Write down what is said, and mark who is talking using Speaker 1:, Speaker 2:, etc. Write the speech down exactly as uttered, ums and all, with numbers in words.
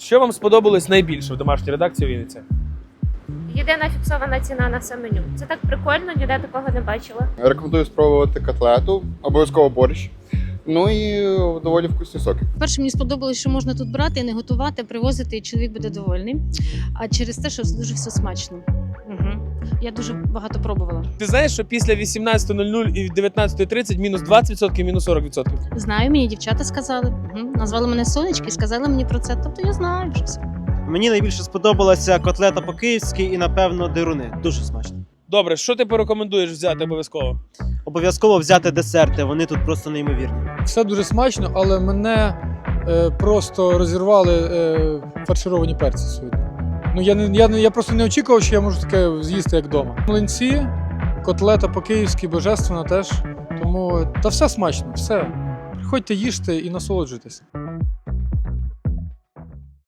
Speaker 1: Що вам сподобалось найбільше в домашній редакції Вінниці?
Speaker 2: Єдина фіксована ціна на все меню. Це так прикольно, ніде такого не бачила.
Speaker 3: Рекомендую спробувати котлету, обов'язково борщ. Ну і доволі вкусні соки.
Speaker 4: Перше, мені сподобалось, що можна тут брати і не готувати, а привозити, і чоловік буде довольний. А через те, що дуже все смачно. Угу. Я дуже багато пробувала.
Speaker 1: Ти знаєш, що після вісімнадцятої нуль нуль і дев'ятнадцятої тридцять мінус двадцять відсотків, мінус сорок відсотків?
Speaker 4: Знаю, мені дівчата сказали. Угу. Назвали мене Сонечки і сказали мені про це. Тобто я знаю вже все.
Speaker 5: Мені найбільше сподобалася котлета по-київськи і, напевно, дируни. Дуже смачно.
Speaker 1: Добре, що ти порекомендуєш взяти обов'язково?
Speaker 5: Обов'язково взяти десерти, вони тут просто неймовірні.
Speaker 6: Все дуже смачно, але мене е, просто розірвали е, фаршировані перці сьогодні. Ну, я, не, я, не, я просто не очікував, що я можу таке з'їсти, як вдома. Млинці, котлета по-київськи, божественна теж. Тому та все смачно, все. Приходьте, їжте і насолоджуйтесь.